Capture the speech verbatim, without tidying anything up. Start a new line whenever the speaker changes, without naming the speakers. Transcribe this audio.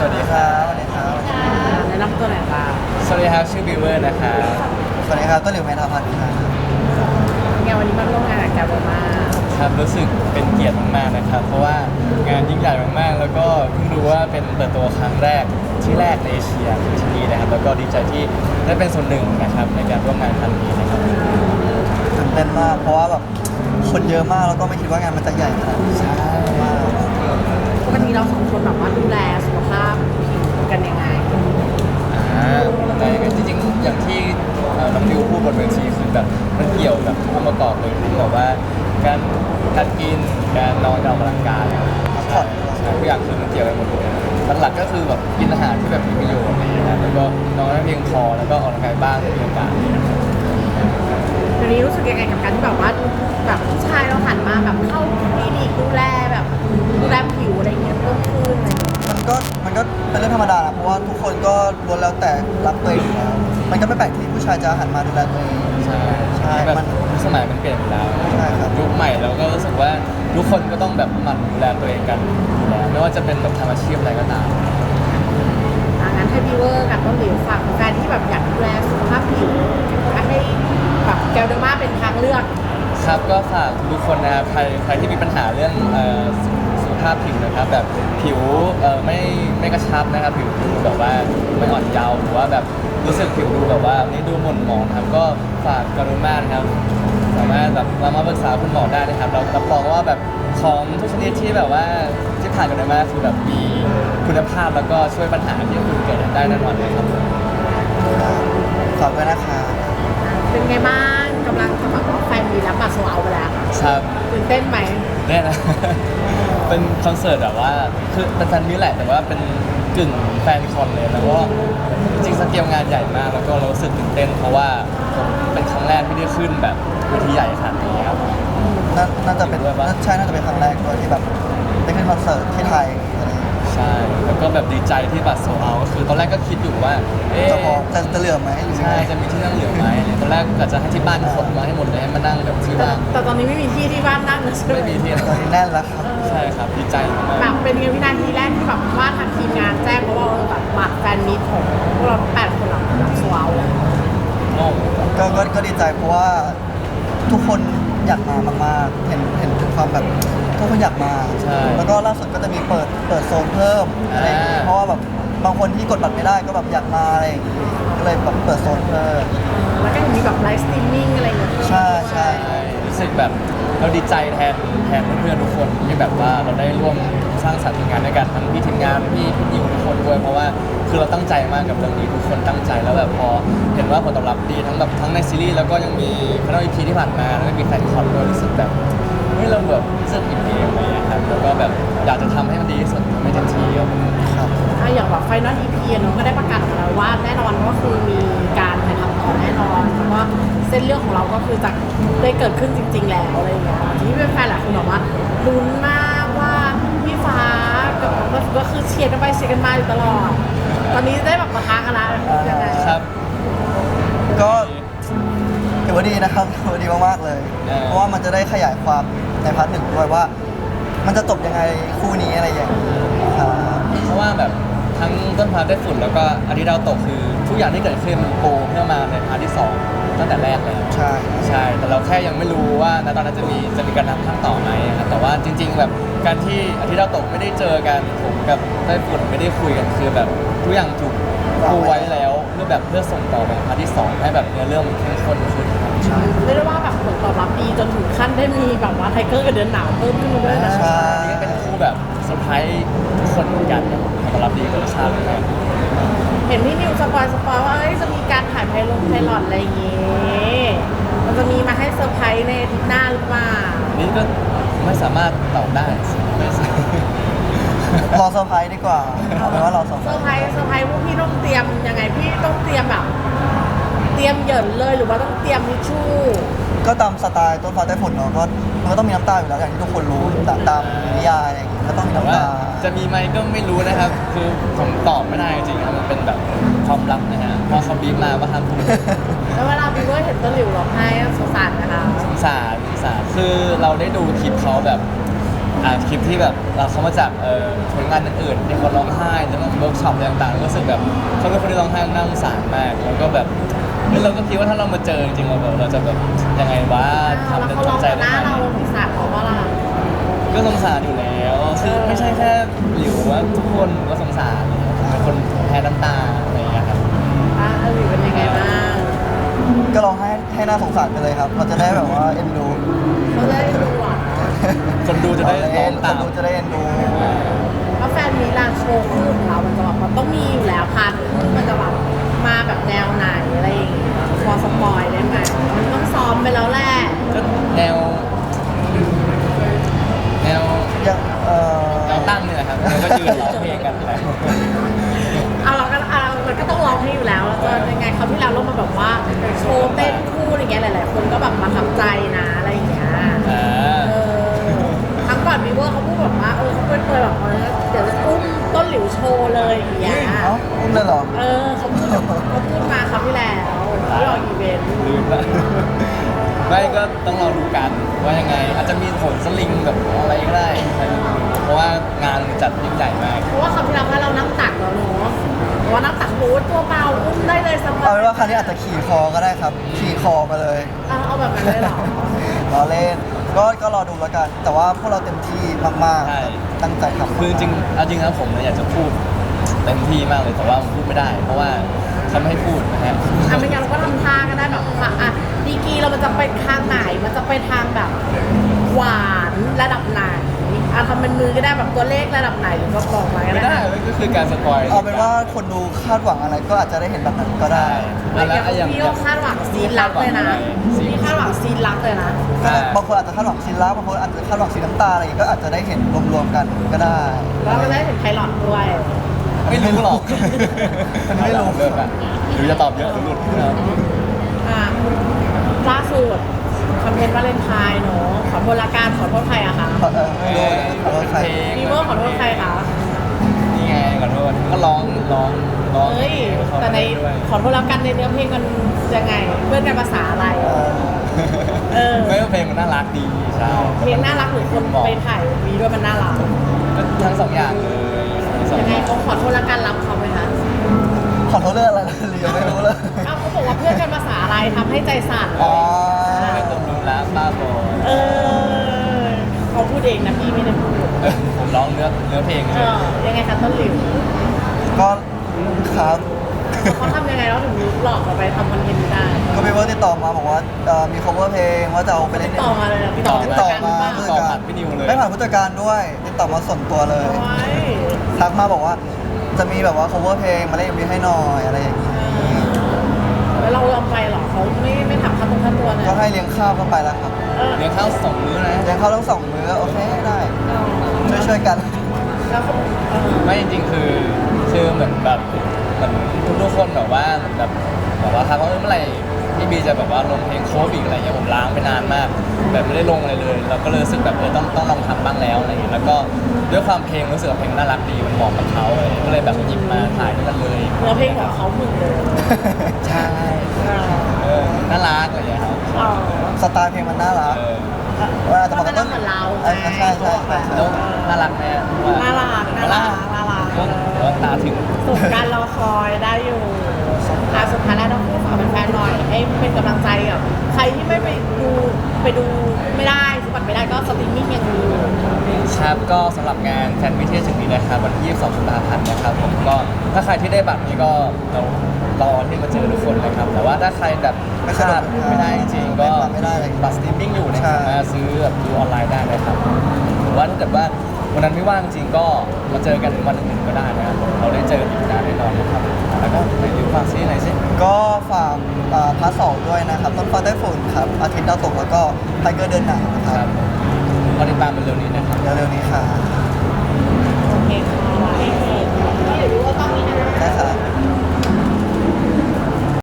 สวัสดีครับสวัสดีครับ
แนะนำตัวหน่อยค่ะ
สวัสดีครับชื่อบิวเวอร์นะครับ
สวัสดีครับต้นหลิวเมธาพันธ์ครับ
ไงวันนี้มาร่วมงานกับแกโบมา
ครับรู้สึกเป็นเกียรติมากๆนะครับเพราะว่างานยิ่งใหญ่มากๆแล้วก็เพิ่งรู้ว่าเป็นเปิดตัวครั้งแรกที่แรกในเอเชียคือที่นี่นะครับแล้วก็ดีใจที่ได้เป็นส่วนหนึ่งนะครับในการร่วมงานครั้งนี้นะครับ
ตื่นเต้นมากเพราะว่าแบบคนเยอะมากแล้วก็ไม่คิดว่างานมันจะใหญ่ขนาดนี้
ใช่
มาก
วันนี้เราสองคนแบบว่าดูแลสุขภาพผิวกันยังไง
อ่าแต่ยังไงจริงๆอย่างที่เอ่อน้องดิวพูดบนเวทีคือแบบมันเกี่ยวกับองค์ประกอบเลยทั้งแบบว่าการการกินการนอนการออกกำลังกายพักผ่อนใช่ทุกอย่างคือมันเกี่ยวกันหมดเลยหลักๆก็คือแบบกินอาหารที่แบบมีประโยชน์อะไรอย่างเงี้ยครับแล้วก็นอนให้เพียงพอแล้วก็ออกกำลังกายบ้างถ้ามีโอกาสนะครับ
วันนี้รู้สึกยังไงกับการที่แบบว่าแบบผู้ชายเราหันมาแบบเข้าคลินิกดูแลแบบดูแลผิวอะไรอย่างเงี้ยเพิ่มขึ้นอะไรอย่างเงี้ย
มันก็มันก็เป็นเรื่องธรรมดานะเพราะว่าทุกคนก็ล้วนแล้วแต่รักตัวเองอยู่แล้วมันก็ไม่แปลกที่ผู้ชายจะหันมาดูแลตัวเอง
ใช่
ใช่
แบบ
มัน
สมัยมันเปลี่ยนไปแล้ว
ใช่ครับ
ยุคใหม่เราก็รู้สึกว่าทุกคนก็ต้องแบบหมั่นดูแลตัวเองกันอยู่แล้วไม่ว่าจะเป็นแบบทำอาชีพอะไรก็ตาม
อ่ะงั้นให้พี่เวอร์กับต้นหลิวฝากแฟนที่แบบอยากดูแลสุขภาพผิวให้แบบแกลเดอร์มาเป็นทางเลือก
ครับก็ฝากทุกคนนะครับใครใครที่มีปัญหาเรื่องเอ่อสุขภาพผิวนะครับแบบผิวเอ่อไม่ไม่กระชับนะครับผิวดูแบบว่าไม่อ่อนเยาว์หรือว่าแบบรู้สึกผิวดูแบบว่านี่ดูหม่นหมองครับก็ฝากกรุณานะครับสามารถแบบเรามาปรึกษาคุณหมอได้นะครับเรารับรองว่าแบบของทุกชนิดที่แบบว่าที่ผ่านกันมาคือแบบมีคุณภาพแล้วก็ช่วยปัญหาที่คุณเกิดได้แน่นอนเลยครับ
ฝากด้วยนะคะ
เป็นไงบ้างกำลังสมัครว่าแฟนมีแล้วบัตรโซเอาไปแล้ว
ครับ
ตื่นเต้นไหม
แน่นะ เป็นคอนเสิร์ตแบบว่าคือเป็นแฟนมิตรแหละแต่ว่าเป็นกึ่งแฟนคอนเลยแล้วก็จริงๆสเกลงานใหญ่มากแล้วก็เรารู้สึกตื่นเต้นเพราะว่าผมเป็นครั้งแรกที่ได้ขึ้นแบบเวทีใหญ่ขนาดนี้ครับ
น่าน่าจะเป็น
ด้วยปะ
น่าใช่น่าจะเป็นครั้งแรกด้วยที่แบบได้ขึ้นคอนเสิร์ตที่ไทยอะไรอย่างเงี้ย
ใช่แล้วก็แบบดีใจที่บัตรโซเอาก็คือตอนแรกก็คิดอยู่ว่าเอ๊ะ
จะพอจะจะเหลือไหมหรือยัง
ใช่
ไง
จะมีที่นั่งเหลือไหมอะไรตอนแรกกะจะให้ที่บ้านขนมาให้หมดเลยให้มานั่งแบบที่
แต่
บ้าน
แต่ตอนนี้ไม่มีที่ที่บ้านนั่งนะใช่ไหม
ไม่มีที่
ตอนนี้แน่นแล้วครับ
ใช่ครับดีใจมาก
แบบเป็นไงวินาทีแรกที่แบบว่าทางทีมงานแจ้งเพราะว่าเออแบบบัตรแฟนมิตของพวกเราแปดคนหลังแบบสวาวเลย
ๆโอ้
ก็ก็ก็ดีใจเพราะว่าทุกคนอยากมามากๆ เห็นเห็นถึงความแบบทุกคนอยากมา
ใช่
แล้วก็ล่าสุดก็จะมีเปิดเปิดโซนเพิ่มอะไรอย่างงี้
อ่า
เพราะว่าแบบบางคนที่กดบัตรไม่ได้ก็แบบอยากมาอะไรอย่างงี้ก็เลยแบบเปิดโซนเพิ่ม
แล้วก็ยังมีแบบไลฟ์สตรีมมิ่งอะไรอย่างเงี้ย
ใช่ใช่
ใช่รู้สึกแบบเราดีใจแทนแทนเพื่อนๆทุกคนที่แบบว่าเราได้ร่วมสร้างสรรค์งานด้วยกันทั้งพี่ทีมงานพี่พี่นิวทุกคนด้วยเพราะว่าคือเราตั้งใจมากกับเรื่องนี้ทุกคนตั้งใจแล้วแบบพอเห็นว่าผลตอบรับดีทั้งแบบทั้งในซีรีส์แล้วก็ยังมีคณะอีพีที่ผ่านมาแล้วก็มีแฟนคอนด้วยรู้สึกแบบเฮ้ยเราแบบรู้สึกอิ่มเอมอะไรอย่างเงี้ยครับแล้วก็แบบอยากจะทำให้มันดีที่สุดทำให้เต็มที่ครับ
ครับ
อ่ะอย่างแบบไฟนอลอีพีเนาะก็ได้ประกาศออกมาแล้วว่าแน่นอนก็คือมีการถ่ายทำต่อแน่นอนเพราะว่าเส้นเรื่องของเราก็คือจะได้เกิดขึ้นจริง ๆ แล้วอะไรอย่างเงี้ยทีนี้เป็นแฟนหลายคนบอกว่าลุ้นมากว่าพี่ฟ้ากับน้องก็ก็คือเชียร์กันไปเชียร์กันมาอยู่ตลอด ตอนนี้ได้แบบมาท้ากันแล้วยังไง
ครับ
ก็ถือว่าดีนะครับถือว่าดีมากๆเลย
เออ
เพราะว่ามันจะได้ขยายความในพาร์ทหนึ่งด้วยว่า มันจะจบยังไงคู่นี้อะไรอย่างนี้ครับ
เพราะว่าแบบทั้งต้นพาร์ทได้ฝุ่นแล้วก็อาทิตย์ดาวตกคือทุกอย่างที่เกิดขึ้นมันปูเพื่อมาในพาร์ทที่สองตั้งแต่แรกแล้ว
ใช่
ใช่ แต่เราแค่ยังไม่รู้ว่าณตอนนั้นจะมีจะมีการนำข้างต่อไหมครับแต่ว่าจริง ๆ แบบการที่อาทิตย์ดาวตกไม่ได้เจอกันผมกับไต้ฝุ่นไม่ได้คุยกันคือแบบทุกอย่างถูกปูไว้แล้วเพื่อแบบเพื่อส่งต่อไปพาร์ทที่สองให้แบบเนื้อเรื่องมันเข้มข้นขึ้นครับ
ใช่
เรียกได้ว่าแบบผลตอบรับดีจนถึงขั้นได้มีแบบว่าไทเกอร์กับเดือนหนาวเพิ่มขึ้นมาด้วยนะ
ใช่
นี่ก็เป็นคู่แบบเซอร์ไพรส์ทุกคนเหมือนกันผลตอบรับดีกับชาติเลย
เห็นพี่นิวสปอยสปอยว่าเอ้ยจะมีการถ่ายไพลงไพลอตอะไรอย่างงี้มันจะมีมาให้เซอร์ไพรส์ในอาทิตย์หน้าหรือเปล่า
นี่ก็ไม่สามารถตอบได้ไม่สามารถ
รอเซอร์ไพรส์ดีกว่าเอาเป็นว่ารอเซอร์ไพ
เซ
ร
อร์
ส์
ไพรส์เซอร์ไพรส์พวกพี่ต้องเตรียมยังไงพี่ต้องเตรียมแบบ เตรียมเหยินเลยหรือว่าต้องเตรียมทิชชู่
ก็ตามสไตล์ต้นฟ้าใต้ฝุ่นเนาะก็มันก็ต้องมีน้ำตาอยู่แล้วอย่างที่ทุกคนรู้ตามตามนิยายอะไรอย่างเงี้ยก็ต้องมี
แต่
น้ำ
ว่า
ตา
จะมีไหมก็ไม่รู้นะครับ คือผมตอบไม่ได้จริงๆครับมันเป็นแบบความลับนะฮะเพราะเขาบีบมาว่าห้ามพูด
แล้วเวลาพี่เวอร์เห็นต้นหลิวร้องไห้สงสารนะคะ
สงสารสงสารคือเราได้ดูคลิปเขาแบบอ่านคลิปที่แบบเราเขามาจากเอ่อผลงานอื่นๆที่คนร้องไห้แล้วก็เวิร์กช็อปอะไรต่างๆรู้สึกแบบเขาเป็นคนที่ร้องไห้น่าสงสารมากแล้วก็แบบเฮ้ยเราก็คิดว่าถ้าเรามาเจอจริงๆเราแบบเราจะแบบยังไงวะทำ
แล้ว
เป็น
เขาล
ตั้
อง
งใจ
ห
ได้
น้า
ไหม
เราสงสารเขาว่าล่ะ
ก็สงสารอยู่แล้วคือไม่ใช่แค่หลิวว่าทุกคนก็สงสารเป็นคนแพ้น้ำตาอะไรอย่างเงี้ยครับ
อ่ะอลิเป็นยังไงบ้าง
ก็ร้องให้ให้น่าสงสารไปเลยครับเราจะได้แบบว่าเอ็นดู
เขาจะได้ดูอ่ะ
คนดูจะได้ร้องตาม
คนดูจะได้เอ็นดู
เพราะแฟนมีลานโชว์คู่ของเรา มันจะแบบมันต้องมีอยู่แล้วพาร์ทคู่มันจะแบบมาแบบแนวไหนอะไรอย่างเงี้ยพอสปอยได้ไหมมันต้องซ้อมไปแล้วแหละ
ก็แนวแนว
อย่างเอ่อ
แนวตั้งนี่แหละครับแล้วก็ยืนร้องเพลงกันแหละ
เอาเราก็เอามันก็ต้องร้องให้อยู่แล้วแล้วก็ยังไงเขาวที่แล้วเรามาแบบว่าโชว์เต้นคู่อะไรเงี้ยหลายๆคนก็แบบประทับใจนะอะไรอย่างเงี้ย
อ่า
เออครั้งก่อนวีเวอร์เขาพูดแบบว่าเออเขาเคยแบบว่าเดี๋ยวจะอุ้มต้นหลิวโชว์เลยอย่างเงี้ย
เอ้าอุ้มเลยเหรอ
เออเขาพูดเขาพูดมาคราวที่แล้วที่เราอีเวนต์
ลืมละไม่ก็ต้องรอดูกันว่ายังไง อาจจะมีโหนสลิงแบบอะไรก็ได้เพราะว่างานจัดยิ่งใหญ่มาก
เพราะว่าคราวที่แล้วว่าเรานั่งตักแล้วเนาะเพราะว่านั่งตักบูธตัวเบาอุ้มได้เลยสบาย
เอาเป็นว่าครั้งนี้อาจจะขี่คอก็ได้ครับ ขี่คอมาเลย
เอาเอาแบบนั้นเลยเหรอ
รอเล่น ก็ก็รอดูแล้วกัน แต่ว่าพวกเราเต็มที่มาก
ใช่
ๆ ตั้งใจทำ
คือจริงๆเอาจริงนะผมเนี่ยอยากจะพูดเต็มที่มากเลยแต่ว่าพูดไม่ได้ เพราะว่าเขาไม่ให้พูดนะฮะ
อ่ะไม่งั้นเราก็ทำท่าก็ได้แบบว่าอ่ะดีกรีเรามันจะไปทางไหนมันจะไปทางแบบหวานระดับไหนอ่ะทำเป็นมือก็ได้แบบตัวเลขระดับไหนหรือก็บอกมาก็
ไม่
ได้
ได้มันก็คือการสปอย
เอาเป็นว่าคนดูคาดหวังอะไรก็อาจจะได้เห็นแบบนั้นก็ได้
เฮ้ยอย่างพี่โอคาดหวังซีนรักเลยนะพี่คาดหวังซีนรักเลยนะ
ก็บางคนอาจจะคาดหวังซีนลับบางคนอาจจะคาดหวังซีนน้ำตาอะไรอย่างเงี้ยก็อาจจะได้เห็นรวมๆกันก็ได้
แล้วเราได้เห็นไพลอตด้วย
ไม่รู้หรอก
มันไม่รู้
เลิกอะหรือจะตอบเยอะหรือหลุดนะครับ
อ่ะล่าสุดคอนเทนต์วาเลนไทน์เนาะขอโทษละกันขอโทษใครอะคะ
เออไม่รู้ขอโทษใคร
วีเวอร์ขอโทษใครคะ
นี่ไงขอโทษก็ร้องร้องร้อง
เฮ้ย
เขา
แต่ใน
ด้วย
ขอโทษแล้วกันในเนื้อเพลงมันยังไง เพื่อนกันภาษาอะไร
เออ
เออ
ไม่ว่าเพลงมันน่ารักดีใช่
เพลงน่ารักหรือคนไปถ่ายวีด้วยมันน่ารัก
ก็ทั้งสองอย่างเลยทั้งสอง
ยัง
อ
ไง
ย่าง
เขาขอโทษแล้วกันรับเขาไหมคะ
ขอโทษเรื่องอะไรนะเรียนไม่รู้เลย
เอ้าเขาบอกว่าเพื่อนกันภาษาอะไรทำให้ใจสั่น
อ๋อ
ไม่ต้องดูแลบ้าบอ
เออเขาพูดเองนะพี่ไม่ได้พูด
เออผมร้องเนื้อเนื้อเพลง
เอ
เลย
อยังไงคะต้นหลิว
ก็ครับ
เขาทำยังไงแล้วถึงหลอกเราไปทำคอนเทนต์นี้ได้
ก็มีเวิร์ติดต่อมาบอกว่าเอ่อมี cover เพลงว่าจะเอาไปเล่น
ติดต่อมาเลยนะติดต่อ
ติดต่อมา
ผู้
ผู้
จัด
จั
กา
ด
ร
การ
พี่นิวเลย
ไม่ผ่านผู้จัดการด้วย ติดต่อมาส่วนตัวเลย
โอ้ย
ทักมาบอกว่าจะมีแบบว่า cover เพลงมาเล่น เอ็ม วี ให้หน่อยอะไรอย่างนี้
แล้วเรายอมไปเหรอเขาไม่ไม่ถามค่าตรงค่าตัวเลย
ก็ให้เลี้ยงข้าวเข้าไปแล้วครับ
เออ
เลี้ยงข้าวสองมื้อนะ
เลี้ยงข้าวทั้งสองมื้อโอเคได้ ช่วยช่วยๆกัน
แล้วเขาเออ
ไม่จริงๆคือคือเหมือนแบบเหมือนทุกๆคนแบบว่าเหมือนแบบบอกว่าทักว่าเออเมื่อไหร่พี่บีจะแบบว่าลงเพลงโคฟอีกอะไรเงี้ยผมล้างไปนานมาก แบบไม่ได้ลงอะไรเลยเราก็เลยรู้สึกแบบเออต้องต้องลองทำบ้างแล้วอะไรเงี้ยแล้วก็ด้วยความเพลงรู้สึกว่าเพลงน่ารักดีมันเหมาะกับเขาเลยก็เลยแบบหยิบมาถ่ายด้วยกันเลย
เนื้อเพลงของเขาหมึงเลย
ใช่
เออ
เออน่ารักอะไรเงี้ยครับ
อ๋อ
สไตล์เพลงมันน่ารัก
เออ
เวลาจะบอก
ก็
กับ
น่า
ต้น
เหมือนเรา
เออใช่ใช่ใช่ใช่
แล้วน่ารักไหมว่า
น่ารักน่ารักน่ารัก
แล้วตาถึง
สุดการรอคอยได้อยู่อ่ะสุดท้ายแล้วต้องพูดฝากแฟนๆหน่อยให้เป็นกำลังใจกับใครที่ไม่ไปดูไปดูไม่ได้ซื้อบัตรไม่ได้ก็สตรีมมิ่งยังมีอยู่
ครับก็สำหรับงานแฟนมิตรที่จะถึงนี้นะครับวันที่ยี่สิบสองกุมภาพันธ์นะครับผมก็ถ้าใครที่ได้บัตรนี้ก็เรารอที่มาเจอทุกคนเลยครับแต่ว่าถ้าใครแบบ
ไม่
พ
สะดว
ลาก ดไม่ได้จริงๆก็
ไม่ได้เลย
บัตรสตรีมมิ่งอยู่นะค
ใช่
รับมาซื้อแบบดูออนไลน์ได้เลยครับหรือว่าถ้าเกิดว่าวันนั้นไม่ว่างจริงก็มาเจอกันวันอื่นๆก็ได้นะครับเราได้เจออีกนานแน่นอนนะครับแล้วก็ไปดูฝากซีหน่อยสิ
ก็ฝากเอ่อพาร์ทสองด้วยนะครับ ต้นฟ้าใต้ฝุ่นครับ อาทิตย์ดาวตกแล้วก็ไทเกอร์เดินหนังนะค
ค
รั
รั
บบ
ก็ติดตามเป็นเร็วนี้นะครับ
เร็วๆนี้ค่ะ